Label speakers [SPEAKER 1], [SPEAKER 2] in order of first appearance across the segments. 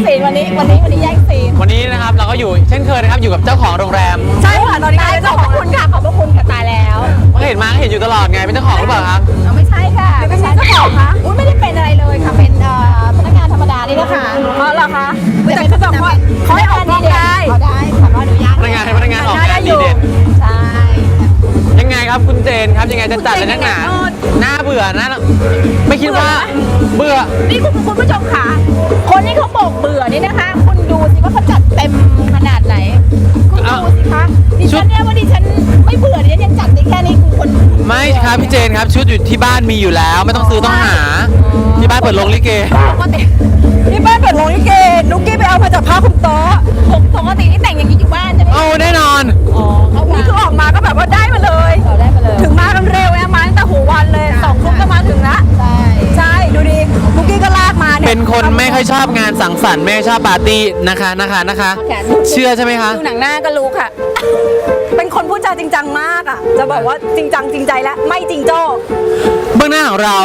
[SPEAKER 1] ซีนวันนี้แย่งซีน
[SPEAKER 2] วันนี้นะครับเราก็อยู่เช่นเคยนะครับอยู่กับเจ้าของโรงแรม
[SPEAKER 1] ใช่ค่ะตอนนี้ขอบคุณค่ะตายแล้ว
[SPEAKER 2] เห็นอยู่ตลอดไงเป็นเจ้าของหรือเปล่าครับ
[SPEAKER 1] ไม่ใช่ค่ะไม่ใช่เจ้าของคะอุ้ยไม่ได้เป็นอะไรเลยค่ะเป็นพนักงานธรรมดานี่นะคะอ๋อเหรอคะแต่เขาบอกว่าเขาให้ออกกล้องได้ได้ขออนุญาต
[SPEAKER 2] พนักงานออกงานดีเด่น
[SPEAKER 1] ใช่
[SPEAKER 2] ยังไงครับคุณเจนครับยังไงจะจัดเลยนักหนาน่าเบื่อนะไม่คิดว่าเบื่อ
[SPEAKER 1] นี่คุณผู้ชมค่ะคนที่เขาบอกเบื่อนี่นะคะคุณดูสิว่าเขาจัดเต็มขนาดไหนคุณดูสิคะดิฉันเนี่ยว่าดิฉันไม่เบื่อดิฉันยังจัดได้แค่นี้คุณ
[SPEAKER 2] ไม่ครับพี่เจนครับชุดอยู่ที่บ้านมีอยู่แล้วไม่ต้องซื้อต้องหาที่บ้านเปิดโรงลิเก
[SPEAKER 1] ที่บ้านเปิดโรงลิเกนุ๊กกี้ไปเอามาจากผ้าคลุมโต๊ะปกติที่แต่งอย่างนี้อยู่บ้านใช่ไหม
[SPEAKER 2] โอ้แน่นอน
[SPEAKER 1] นี่คือออกมาก็แบบว่าได้มาเลยถึงมากันเร็วนะมาตั้งแต่หัววันเลย2 ทุ่มก็มาถึงละใช่ดูดินุ๊กกี้ก็ลากมาเนี่ย
[SPEAKER 2] เป็นคนไม่ค่อยชอบงานสังสรรค์ไม่ชอบปาร์ตี้นะคะเชื่อใช่ไหมคะ
[SPEAKER 1] ดูหนังหน้าก็รู้ค่ะเป็นคนพูดจาจริงจังมากอ่ะจะบอกว่าจริงจังจริงใจและไม่จริงโจ้
[SPEAKER 2] เบื้องหน้าของเรา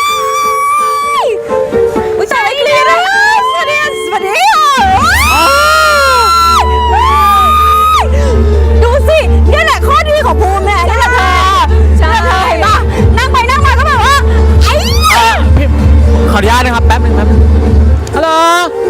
[SPEAKER 1] อุ้ยใจไม่เคลียร์เลยสวัสดีดูสินี่แหละข้อดีของภูมิแหละนี่แหละเธอใช่เห็นป่ะนั่งไปนั่งมาก็แบบว่า
[SPEAKER 2] ขออนุญาตนะครับแป๊บนึงครับฮัลโหล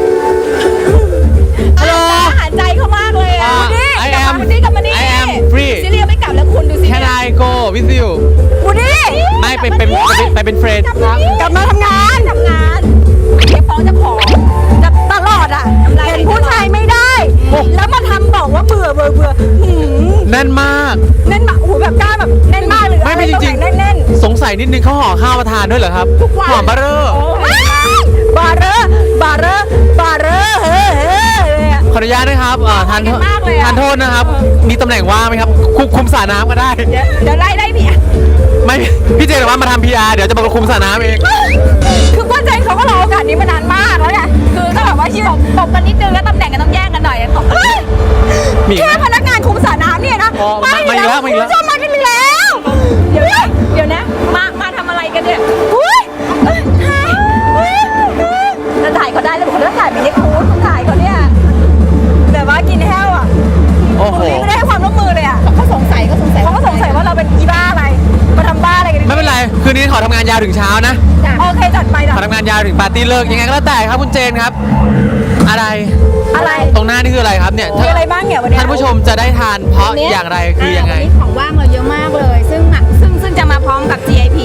[SPEAKER 1] หาใจเขามากเลยอ่ะวูดี้กับมานี่
[SPEAKER 2] I am free
[SPEAKER 1] ซิเลียไม่กลับแล้วคุณดูสิ
[SPEAKER 2] Can I go with you
[SPEAKER 1] วูดี้
[SPEAKER 2] ไม่ไปเป็นเฟรนด์
[SPEAKER 1] กลับมาทำงานเก็บฟ้องจะขอจะตลอดอ่ะเห็นผู้ชายไม่ได้แล้วมาทำบอกว่าเบื่อ
[SPEAKER 2] แน่นมาก
[SPEAKER 1] โอ้โหแบบกล้าแบบแน่นมากเลย
[SPEAKER 2] ไม่จริง
[SPEAKER 1] แน่น
[SPEAKER 2] สงสัยนิดนึงเขาห่อข้าวมาทานด้วยเหรอครับห่อบาร์เรอร์
[SPEAKER 1] บาร์เรอร์
[SPEAKER 2] ขออนุญาตนะครับทานโทษนะครับมีตำแหน่งว่างไหมครับคุมสระน้ำก็ได้
[SPEAKER 1] เดี๋ยวไล่พี่
[SPEAKER 2] ไม่พี่เจนบอกว่ามาทำ PR เดี๋ยวจะมาคุมสระน้ำเอง
[SPEAKER 1] คือป้าเจนเขาก็รอโอกาสนี้มานานมากแล้วไงคือก็แบบว่าตบกันนิดนึงแล้วตำแหน่งกันต้องแย่งกันหน่อยตบแค่พนักงานคุมสระน้ำเนี่ยนะ
[SPEAKER 2] มาอีกแล้ว
[SPEAKER 1] ชอบมากันอีกแล้วเดี๋ยวนะมาทำอะไรกันเนี่ยจะถ่ายเขาได้แล้วผมจะถ่ายไม่ได้คูดถ่ายเขาเนี่ยแต่ว่ากินแห้วอ่ะ
[SPEAKER 2] โอ้โห
[SPEAKER 1] ไม่ได้ให้ความร่วมมือเลยอ่ะเขาสงสัยว่าเราเป็นอีบ้าอะไรมาทำบ้าอะไรกัน
[SPEAKER 2] ไม่เป็นไรคืนนี้ขอทำงานยาวถึงเช้านะ
[SPEAKER 1] โอเคจัดไป
[SPEAKER 2] ขอทำงานยาวถึงปาร์ตี้เลิกยังไงก็แล้วแต่ครับคุณเจนครับอะไรตรงหน้านี่คืออะไรครับเนี่ย
[SPEAKER 1] อะไรบ้างเนี่ยวันนี้
[SPEAKER 2] ท่านผู้ชมจะได้ทานเพราะอย่างไรคือยังไง
[SPEAKER 1] วันนี้ของว่างเราเยอะมากเลยซึ่งจะมาพร้อมกับ GIP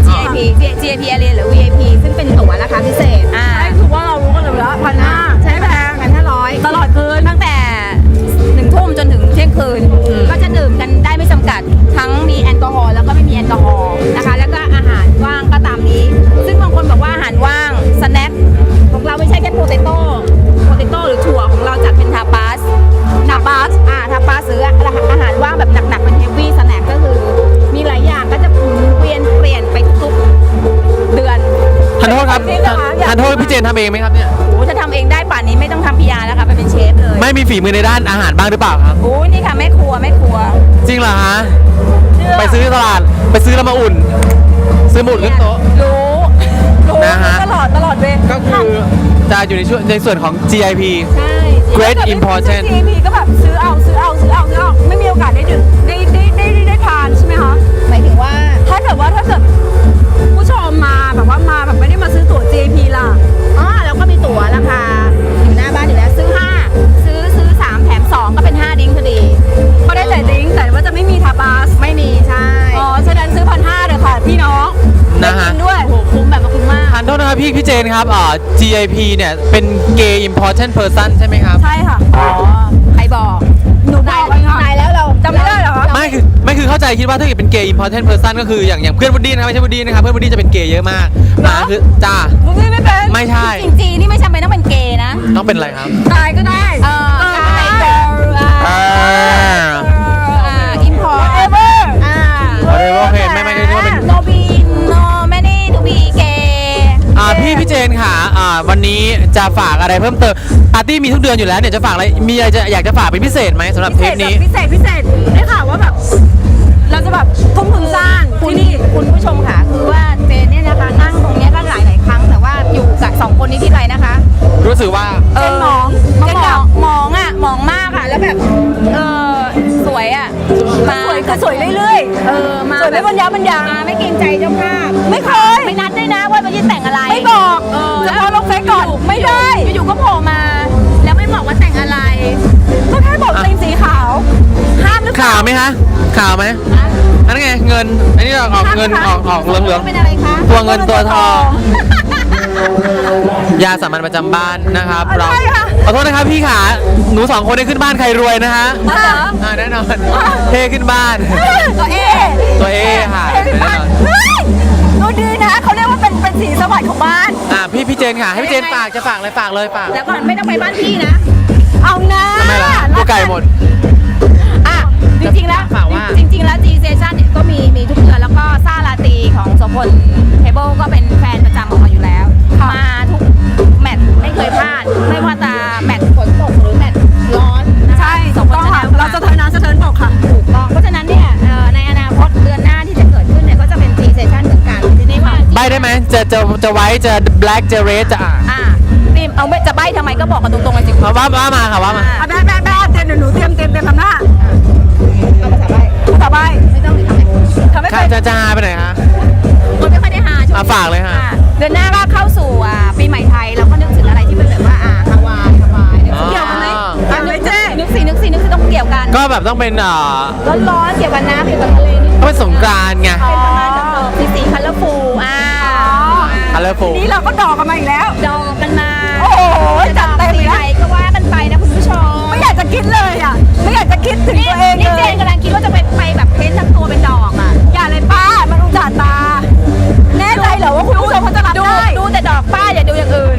[SPEAKER 1] area หรือ VIP ซึ่งเป็นตั๋วราคาพิเศษคือว่าเรารู้กันเลยแล้ว1,500ใช้แพงกัน500ตลอดคืนตั้งแต่1 ทุ่มจนถึงเที่ยงคืนก็จะดื่มกันได้ไม่จำกัดทั้งมีแอลกอฮอล์แล้วก็ไม่มีแอลกอฮอล์นะคะแล้วก็อาหารว่างก็ตามนี้ซึ่งบางคนบอกว่าอาหารว่างสแน็คของเราไม่ใช่แค่โพเตโต้หรือถั่วของเราจัดเป็นทาปาสหรืออาหารว่างแบบหนักๆเป็นเฮฟวี่สแน็คก็คือมีหลายอย่างก็จะเปลี่ยนไปทุกเดือน
[SPEAKER 2] ทานโทษครับทานโทษพี่เจนทำเองไหมครับเนี่ย
[SPEAKER 1] โอ้จะทำเองได้ป่านนี้ไม่ต้องทำ PR แล้วค่ะไปเป็นเชฟเลย
[SPEAKER 2] ไม่มีฝีมือในด้านอาหารบ้างหรือเปล่าครับ
[SPEAKER 1] โอ้นี่ค่ะแม่ครัว
[SPEAKER 2] จริงเหรอฮะไปซื้อตลาดไปซื้อแล้วมาอุ่นซื้อหมุดขึ้นโต๊ะ
[SPEAKER 1] รู้นะฮะตลอดเว
[SPEAKER 2] ก็คือจะอยู่ในส่วนของ GIP
[SPEAKER 1] ใช่
[SPEAKER 2] Great Important
[SPEAKER 1] GIP ก็แบบซื้อเอาไม่มีโอกาสได้ดื่มได้ทานใช่ไหมคะหมายถึงว่าถ้าเกิดผู้ชมมาแบบว่ามาแบบไม่ได้มาซื้อตั๋ว GIP ล่ะแล้วก็มีตั๋วราคาอยู่หน้าบ้านอยู่แล้วซื้อ3แถม2ก็เป็น5ดิ้งพอดีก็ได้แต่ดิ้งแต่ว่าจะไม่มีทาบาสไม่มีใช่ฉะนั้นซื้อ1,500เลยค่ะพี่น้อง
[SPEAKER 2] นะฮะ
[SPEAKER 1] ด้วยโหคุ้มแบบคุ้มมาก
[SPEAKER 2] ทานโทษนะครับพี่เจนครับGIP เนี่ยเป็น Gay Important Person ใช่ไหมครับ
[SPEAKER 1] ใช่ค่ะใครบอกหนูบอกนายแล้วเราจำไม่ได้เหรอ
[SPEAKER 2] ไม่คือเข้าใจคิดว่าถ้าเกิดเป็น Gay Important Person ก็คืออย่างเพื่อนวูดดี้นะครับไม่ใช่วูดดี้นะครับเพื่อนวูดดี้จะเป็นเกย์เยอะมากคือจ้า
[SPEAKER 1] วูดดี้ไม่เป็น
[SPEAKER 2] ไม่ใช่
[SPEAKER 1] จริงๆนี่ไม่จำเป็นต้องเป็นเกย์นะ
[SPEAKER 2] ต้องเป็นอะไรครับ
[SPEAKER 1] ตายก็ได้import ever
[SPEAKER 2] โอเคไม่ได้ว่าเป็น
[SPEAKER 1] no many to be gay
[SPEAKER 2] พี่เจนค่ะวันนี้จะฝากอะไรเพิ่มเติมปาร์ตี้มีทุกเดือนอยู่แล้วเนี่ยจะฝากอะไรมีอะไรอยากจะฝากเป็นพิเศษไหมสำหรับเทปนี้
[SPEAKER 1] พิเศษได้ข่าวว่าแบบเราจะแบบทุ่มทุนสร้างคุณผู้ชมค่ะคือว่าเจนเนี่ยนะคะนั่งตรงนี้ก็หลายครั้งแต่ว่าอยู่กับ2 คนนี้ที่ไรนะคะ
[SPEAKER 2] รู้สึกว่า
[SPEAKER 1] เจน
[SPEAKER 3] แล้วมันยัง
[SPEAKER 1] ไม่เกรงใจเจ้าภาพ
[SPEAKER 3] ไม่เคย
[SPEAKER 1] ไม่นัดด้วยนะว่าวันนี้แต่งอะไร
[SPEAKER 3] ไม่บอก
[SPEAKER 1] แล้
[SPEAKER 3] จะ
[SPEAKER 1] ว
[SPEAKER 3] พอลงเฟซก่อนไม่ได้
[SPEAKER 1] อยู่ๆก็โผล่มา แล้วไม่บอกว่าแต่งอะไร
[SPEAKER 3] ก็แค่บอกตีมสีขาวห้ามหรือเปล่า
[SPEAKER 2] ข่าวไหมคะข่าวไหมอันนั้นไงเงินอันนี้ออกเงินออกเหลือง
[SPEAKER 1] เป็นอะไรคะ
[SPEAKER 2] ตัวเงินตัวทองยาสามัญประจำบ้านนะครับเราขอโทษนะครับพี่ขาหนูสองคนได้ขึ้นบ้านใครรวยนะฮะ
[SPEAKER 3] เหรอ
[SPEAKER 2] แน่นอนเทขึ้นบ้าน
[SPEAKER 3] ตัวเอ
[SPEAKER 2] ตัวเอค่ะ
[SPEAKER 3] เฮ้ย
[SPEAKER 2] แน่นอน
[SPEAKER 3] ดูดีนะเขาเรียกว่าเป็นสีสวัสดิ์ของบ้าน
[SPEAKER 2] พี่เจนค่ะให้พี่เจนฝากจะฝากอะไรฝากเลยฝาก
[SPEAKER 1] แล้วก่อนไม่ต้องไปบ้านพี่นะ
[SPEAKER 3] เอานะ
[SPEAKER 2] ทำไมล่ะตัวไก่หมด
[SPEAKER 1] อ่ะจริงๆแล้ว
[SPEAKER 2] ฝากว่า
[SPEAKER 1] จริงๆแล้ว G Station เนี่ยก็มีทุกเดือนแล้วก็ซ่าลาตรีของโสพลเทเบิลก็เป็นแฟนประจำของเราอยู่แล้ว มาทุกแมตช์ไม่เคยพลาด ไม่ว่าจะแมตช์ฝนตกหรือแมตช์ร้อนนะคะ
[SPEAKER 3] ใช่
[SPEAKER 1] โสพล
[SPEAKER 3] ต้อง
[SPEAKER 1] ช
[SPEAKER 3] ค่ะ
[SPEAKER 1] นะ
[SPEAKER 3] เราจะเทินน้ำจะเทินบกค่ะ
[SPEAKER 1] ถูกต้องเพราะฉะนั้นเนี่ยในอนาคตเดือนหน้าที่จะเกิดขึ้นเนี่ยก็จะเป็น G Station เหมือนกันทีนี้ว่า
[SPEAKER 2] ใบได้ไหมจะไว้จะ black จะ red จะ
[SPEAKER 1] นี่เอาไม่จะใบ้ทำไมก็บอกกันตรงๆเลยสิ
[SPEAKER 2] ว่ามาค่ะว่ามา
[SPEAKER 3] อ่ะแบ๊ะเตรียมเดี๋ยวหนูเตรียมทำหน้า
[SPEAKER 1] เอาภาษาใบ้
[SPEAKER 3] ภาษาใบ
[SPEAKER 1] ไม่ต้องหรือทำไม
[SPEAKER 3] ทำไม่เคย
[SPEAKER 2] จะหาไปไหนฮะ
[SPEAKER 1] คนไม่ค่อยได้หาช่วงนี้
[SPEAKER 2] ฝากเลยค่ะ
[SPEAKER 1] เดือนหน้าก็เข้าสู่ปีใหม่ไทยเราก็นึกถึงอะไรที่เป็นแบบว่าฮาวายนึกถึง
[SPEAKER 3] เกี่ยวกันไหมเกี่ยวไหมเจ๊
[SPEAKER 1] นึกสิต้องเกี่ยวกัน
[SPEAKER 2] ก็แบบต้องเป็น
[SPEAKER 1] ร้อนๆเกี่ยวกับน้ำเกี่ยวกับทะเลนิดนึง
[SPEAKER 2] ก็เป็นสงกรานต์ไง
[SPEAKER 1] เป็นประมาณแบบสีคัลเลอร์ฟูล
[SPEAKER 2] colorful
[SPEAKER 3] นี่เราก็ดอกกันมาอีกแล้ว
[SPEAKER 1] ดองกันมา
[SPEAKER 3] โอ้โหจัดเต็ม
[SPEAKER 1] สี
[SPEAKER 3] เลย
[SPEAKER 1] ไหน
[SPEAKER 3] นะ
[SPEAKER 1] ก็ว่ากันไปนะคุณผู้ชม
[SPEAKER 3] ไม่อยากจะคิดเลยอ่ะ ไม่อยากจะคิดถึงตัวเอง
[SPEAKER 1] นี่
[SPEAKER 3] เล
[SPEAKER 1] เจ
[SPEAKER 3] ย
[SPEAKER 1] นกำลังคิดว่าจะไปแบบเพ้นท์ทั้งตัวเป็นดอกอ่ะ
[SPEAKER 3] อย่าเลยป้า มันอุจจาตา แน่ใจเหรอว่าคุณผู้ชมเขาจะรับได้
[SPEAKER 1] ดูแต่ดอกป้าอย่าดูอย่างอื่น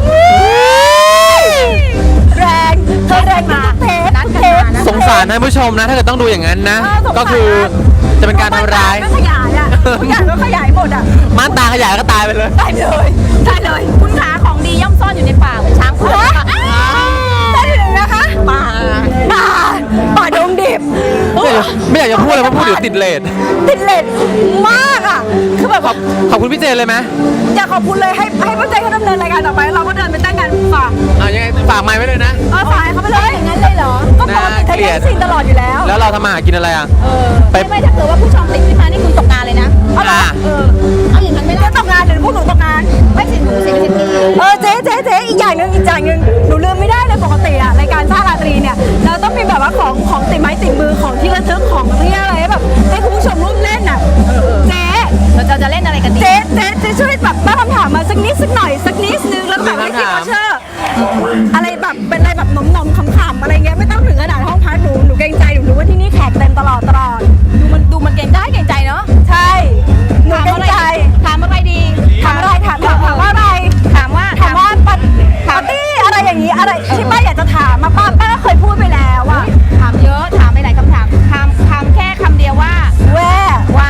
[SPEAKER 3] แรงเธอแรงมาเทป
[SPEAKER 1] นัด
[SPEAKER 3] เท
[SPEAKER 1] กัน
[SPEAKER 3] ป
[SPEAKER 1] มานะ
[SPEAKER 2] สงสารท่านผู้ชมนะ ถ้าเกิดต้องดูอย่างนั้นนะ
[SPEAKER 3] สงสาร
[SPEAKER 2] ก็คือจะเป็นการทำร้าย
[SPEAKER 3] ก็ขยายอ่ะทุกอย่างก็ขยายหมดอ่ะ
[SPEAKER 2] ม่านตาขยายก็ตายไปเลย
[SPEAKER 3] ได้เลยได้เลย
[SPEAKER 1] คุณขาของดีย่อมซ่อนอยู่ในป่าเหมือนช้างเผือก
[SPEAKER 3] ได้เลยนะคะ
[SPEAKER 1] ป่า
[SPEAKER 3] ป่าดงดิบ
[SPEAKER 2] ไม่อยากจะพูดเลยเพราะพูดเดี๋ยวติดเลท
[SPEAKER 3] ติดเลนมากอ่ะ คือแบบ
[SPEAKER 2] ขอบคุณพี่เจนเลยไหม
[SPEAKER 3] อยากขอบคุณเลยให้ป้าเจ๊เขาดำเนินรายการต่อไปเราก็เดินไปตั้งกันฝาก
[SPEAKER 2] ยังไงฝากไมค์ไว้เลยนะ
[SPEAKER 3] ฝากให้เขาไปเลย
[SPEAKER 1] อย่างนั้นเลยเหรอ
[SPEAKER 3] ก็ปกติเธอเลี้ยงซีนตลอดอยู่แล้ว
[SPEAKER 2] แล้วเราทำมาหากินอะไรอ่ะ ไป
[SPEAKER 1] ไม่ถ้าเกิดว่าผู้ชมติดขึ้นมานี่คุณตกงานเลยนะ
[SPEAKER 3] เอาเหรอ
[SPEAKER 1] เอาอย่างนั้นไม่ได้
[SPEAKER 3] จะตกงานเดี๋ยวพวกหนูตกงาน
[SPEAKER 1] ไม่สิหนูสิพี่
[SPEAKER 3] เจ๊อีกอย่างหนึ่งหนูลืมไม่ได้เลยปกติอะรายการซ่าราตรีเนี่ยเราต้องมีแบบว่าของติดไม้ติดมือของที่ระลึกของที่อะไรแบบให้คุณผู้ชมร่วมเล่นอะเจ๊
[SPEAKER 1] เราจะเล่นอะไรกันดี
[SPEAKER 3] เจ๊ช่วยแบบตั้งคำถามมาสักนิดสักหน่อยสักนิดนึงแล้วแบบให้คิดว่าเชื่ออะไรแบบเป็นอะไรแบบหนมๆขำๆอะไรเงี้ยไม่ต้องถึงขนาดห้องพักหนูเกรงใจหนูรู้ว่าที่นี่แขกเต็มตลอด
[SPEAKER 1] ดูมันเก่งได้เก่งใจเนาะ
[SPEAKER 3] ใช่หนูเกรงใจ
[SPEAKER 1] ถามอะไรดี
[SPEAKER 3] ถามอะไรถามว่าอะไร
[SPEAKER 1] ถามว่า
[SPEAKER 3] ปาร์ตี้อะไรอย่างนี้อะไรที่ป้าอยากจะถามมาป้าก็เคยพูดไปแล้วอะ
[SPEAKER 1] ถามเยอะถามไปหลายคำถามถามแค่คำเดียวว่า ว่า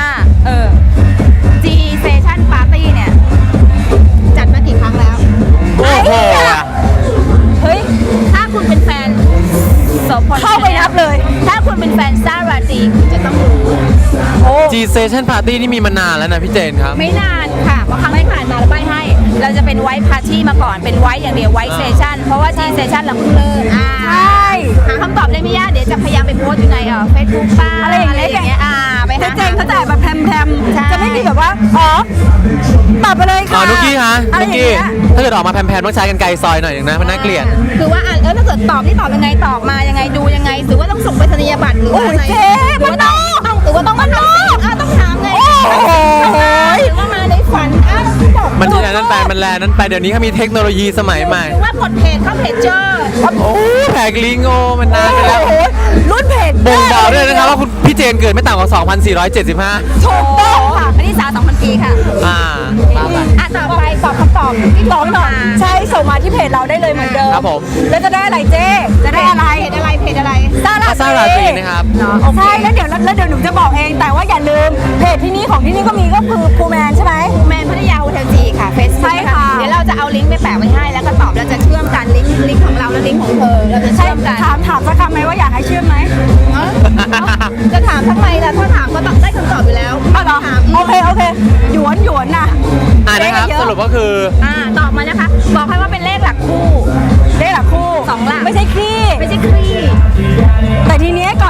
[SPEAKER 1] G Station Party เนี่ยจัดมากี่ครั้งแล้ว
[SPEAKER 2] โอ้โห
[SPEAKER 3] เฮ้ย
[SPEAKER 1] ถ้าคุณเป็นแฟนโสพล
[SPEAKER 3] เข้าไปนับเลย
[SPEAKER 1] ถ้าคุณเป็นแฟนซ่าราตรีคุณจะต้องรู้
[SPEAKER 3] โอ้
[SPEAKER 2] G Station Party นี่มีมานานแล้วนะพี่เจนครับ
[SPEAKER 1] ไม่นานค่ะเพราะครั้งที่ผ่านมาเราใบให้ เราจะเป็นไวท์พาร์ตี้มาก่อนเป็นไวท์อย่างเดียวไวท์เซสชั่นเพราะว่า G Station เราเพิ่งเลิก
[SPEAKER 3] ใช่
[SPEAKER 1] หาคำตอบได้ไม่ยากเดี๋ยวจะพยายามไปโพสต์อยู่ในเฟซบุ๊กป้า
[SPEAKER 3] อะไรอย่างเงี้ย
[SPEAKER 1] ไปหา
[SPEAKER 3] เจ๊เขาจะแบบแพรม
[SPEAKER 1] ใช่
[SPEAKER 3] จะไม่มีแบบว่าตอบไปเลยค่ะ
[SPEAKER 2] นุกกี้ฮะ
[SPEAKER 3] อะไร
[SPEAKER 2] นุก
[SPEAKER 3] อย่าง
[SPEAKER 2] กี้
[SPEAKER 3] เงี้ย
[SPEAKER 2] ถ้าเกิดออกมาแผ่นๆต้องใช้กันไกลซอยหน่อยหนึงนะมันน่าเกลียด
[SPEAKER 1] คือว่าถ้าเกิดตอบนี่ตอบยังไงตอบมายังไงดูยังไงหรือว่าต้องส่งไปรษณียบัตรหรือว่าอะไร
[SPEAKER 3] โอ้ยเจ๊
[SPEAKER 1] หรือว่าต้องหรือว่าต้องมาทำสิ่งต้องถามไง
[SPEAKER 3] โอ้โห
[SPEAKER 1] หรือว่ามาในฝันบอก
[SPEAKER 2] มันที่ไหนนั่นไปมันแลนั่นไปเดี๋ยวนี้เขามีเทคโนโลยีสมัยใหม่
[SPEAKER 1] หรือว่ากดเพจเข้าเพจเจอ
[SPEAKER 2] โอ้แผกลิงโอมันนานไปแล้ว
[SPEAKER 3] โอ้โหรุ่นเพจ
[SPEAKER 2] บ่งบอกด้วยนะครับว่าคุณพี่เจนเกิดไม่ต่ำกว่า 2,475
[SPEAKER 3] ถูกต้องค่ะ
[SPEAKER 1] อันนี้สาว2,000 ปีค่ะ ต่อไปตอบคำตอบที่
[SPEAKER 3] ตอบหน่อยใช่ส่งมาที่เพจเราได้เลยเหมือนเดิม
[SPEAKER 2] ครับผม
[SPEAKER 3] แล้วจะได้อะไรเจ๊จะได้อะไร
[SPEAKER 1] เพจอะไร
[SPEAKER 3] ซ่า
[SPEAKER 2] ซ่าราตรีนะครับ
[SPEAKER 3] ใช่แล้วเดี๋ยวหนูจะบอกเองแต่ว่าอย่าลืมเพจที่นี่ของที่นี่ก็มีก็คือภูแมนใช่ไหม
[SPEAKER 1] แมนพัทยาโฮเทลจีค่ะเฟซ
[SPEAKER 3] ใช่ค่ะ
[SPEAKER 1] เดี๋ยวเราจะเอาลิงก์ไปแปะไว้ให้แล้วก็ตอบแล้วจะเชื่อมกันลิงก์ของเราและลิงก์ของเธอเราจะ
[SPEAKER 3] ใช่
[SPEAKER 1] เชื่อมกัน
[SPEAKER 3] ถามสักคำไหมว่าอยากให้เชื่อมไหม
[SPEAKER 1] จะถามทำไมล่ะถ้าถามก็ต้องได้คำตอบอยู่แล้ว
[SPEAKER 3] เอาเหรอ
[SPEAKER 1] ถาม
[SPEAKER 3] โอเคหยวนน่ะ
[SPEAKER 2] นะครับ
[SPEAKER 3] เยอะ
[SPEAKER 2] สรุปก็คือ
[SPEAKER 1] ตอบมานะคะ บอกให้ว่าเป็นเลขหลักคู่
[SPEAKER 3] ได้หลักคู่
[SPEAKER 1] 2 หลัก
[SPEAKER 3] ไม่ใช่คลี่
[SPEAKER 1] ไม่ใช่คลี่
[SPEAKER 3] แต่ทีเนี้ยก่อนจะให้เขา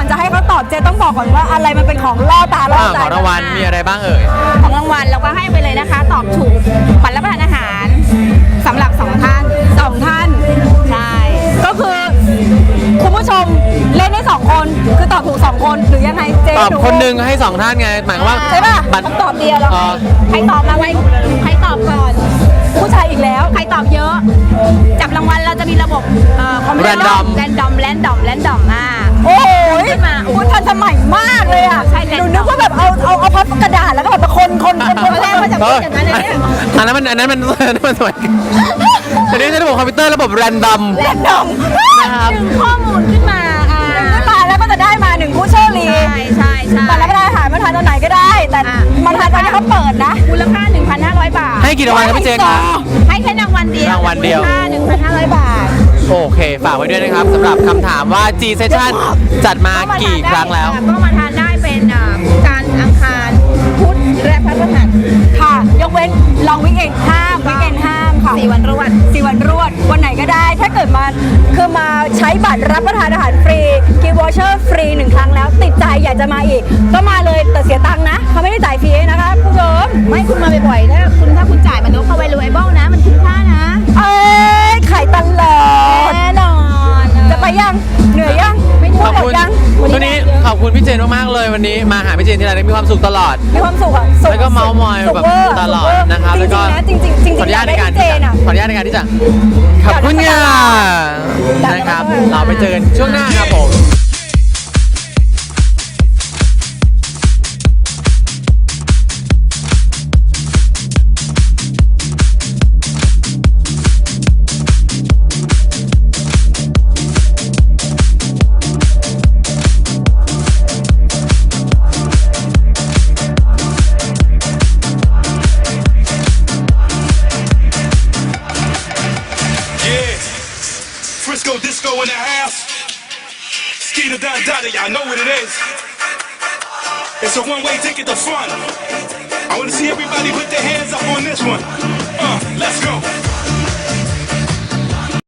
[SPEAKER 3] ตอบเจ๊ต้องบอกก่อนว่าอะไรมันเป็นของล่อตาล่อใจ
[SPEAKER 2] ของรางวัลมีอะไรบ้างเอ่ย
[SPEAKER 1] ของรางวัลเราก็ให้ไปเลยนะคะ ตอบถูกบัตรรับประทานอาหารสำหรับ2ท่าน
[SPEAKER 3] 2 ท่าน
[SPEAKER 1] ใช่
[SPEAKER 3] ก็คือคุณผู้ชมเล่นได้2 คนคือตอบถูก2 คนหรือยังไงเจ๊
[SPEAKER 2] ตอบ
[SPEAKER 3] ดู
[SPEAKER 2] คนหนึ่งให้2ท่านไงหมายความว่า
[SPEAKER 3] ใช่ป่ะ
[SPEAKER 2] บัตร
[SPEAKER 3] คำตอบเดียวแล้ว
[SPEAKER 2] อ๋อ
[SPEAKER 1] ใครตอบมาไว้ใครตอบก่อน
[SPEAKER 3] ผู้ชายอีกแล้ว
[SPEAKER 1] ใครตอบเยอะ จับรางวัลเราจะมีระบบคอมพิวเตอร์
[SPEAKER 2] Random
[SPEAKER 1] แรนดอม
[SPEAKER 3] โอ้ย
[SPEAKER 1] ขึ้นมาโอ้โห
[SPEAKER 3] คุณทันสมัยมากเลยอ่ะ
[SPEAKER 1] ใช่
[SPEAKER 3] หนูนึกว่าแบบเอาพับกระดาษแล้วก็แบบคนแรกมาจาก
[SPEAKER 2] เฮ้ย
[SPEAKER 3] อย่างนั้นเลยเนี่ย
[SPEAKER 2] อันนั้นมันสวยอันนี้ใช้ระบบคอมพิวเตอร์ระบบแรนดอม
[SPEAKER 3] แรนดอม
[SPEAKER 2] นะครับ
[SPEAKER 1] ดึงข้อมูลขึ้นมา
[SPEAKER 3] ขึ้นมาแล้วก็จะได้มา1ผู้โชคดี
[SPEAKER 1] ใช่
[SPEAKER 3] บัตรรับประทานอาหารมาทานตอนไหนก็ได้ แต่มาทานตอนที่เขาเปิดนะ
[SPEAKER 1] มูลค่า 1,500 บาท
[SPEAKER 2] ให้กี่รางวัลครับพี่เจนครับ
[SPEAKER 1] ให้แค่รางวัลเดียว
[SPEAKER 2] รางวัลเดียว
[SPEAKER 1] มูลค่า 1,500 บาท
[SPEAKER 2] โอเค ฝากไว้ด้วยนะครับสำหรับคำถามว่า G Session จัดมากี่ครั้งแล้ว
[SPEAKER 1] ก็มาทานได้เป็นการอังคารพุธและพฤหัส
[SPEAKER 3] ค่ะ ยกเว้นลองวิกเอนห้ามวิกเอนห้ามค่ะ
[SPEAKER 1] 4 วันรวด
[SPEAKER 3] 4 วันรวดวันไหนก็ได้ ถ้าเกิดมาคือมาใช้บัตรรับประทานอาหารฟรีกิฟต์วอเชอร์ฟรี1 ครั้งแล้วติดใจอยากจะมาอีก ก็มาเลยแต่เสียตังค์นะเขาไม่ได้จ่ายฟรีนะคะผู้ชม
[SPEAKER 1] ไม่คุณมาบ่อยๆถ้าคุณจ่ายมันก็เข้าไปรูไอเบิลนะ มันคุ้มค่านะ
[SPEAKER 3] เอ้ยขายตลอด
[SPEAKER 1] แน่นอน
[SPEAKER 3] จะไปยังเหนื่อยยังไม่
[SPEAKER 2] ขอบ
[SPEAKER 3] หม
[SPEAKER 2] คุ
[SPEAKER 3] ด
[SPEAKER 2] ณ
[SPEAKER 3] ยัง
[SPEAKER 2] วันนี้ขอบคุณพี่เจนมากๆเลยวันนี้มาหาพี่เจนที่ไรได้มีความสุขตลอด
[SPEAKER 3] มีความสุขอ่ะสุข
[SPEAKER 2] แล้วก็เมาส์มอย
[SPEAKER 3] สุข
[SPEAKER 2] แบบ
[SPEAKER 3] เวอร์
[SPEAKER 2] ตลอด
[SPEAKER 3] สุขเวอ
[SPEAKER 2] นะครับแล้วก็
[SPEAKER 3] จริงๆนะจริงๆ
[SPEAKER 2] ขออนุญาตในการ
[SPEAKER 3] เจ
[SPEAKER 2] ที่
[SPEAKER 3] น
[SPEAKER 2] จะ
[SPEAKER 3] อ่ะ
[SPEAKER 2] ขออนุญาตในการที่จะขอบคุณค่ะนะครับ เราไปเจอกันช่วงหน้าครับผม
[SPEAKER 4] Yeah, Frisco Disco in the house. Skeeter Don Dada, y'all know what it is. It's a one-way ticket to fun. I want to see everybody put their hands up on this one. Let's go.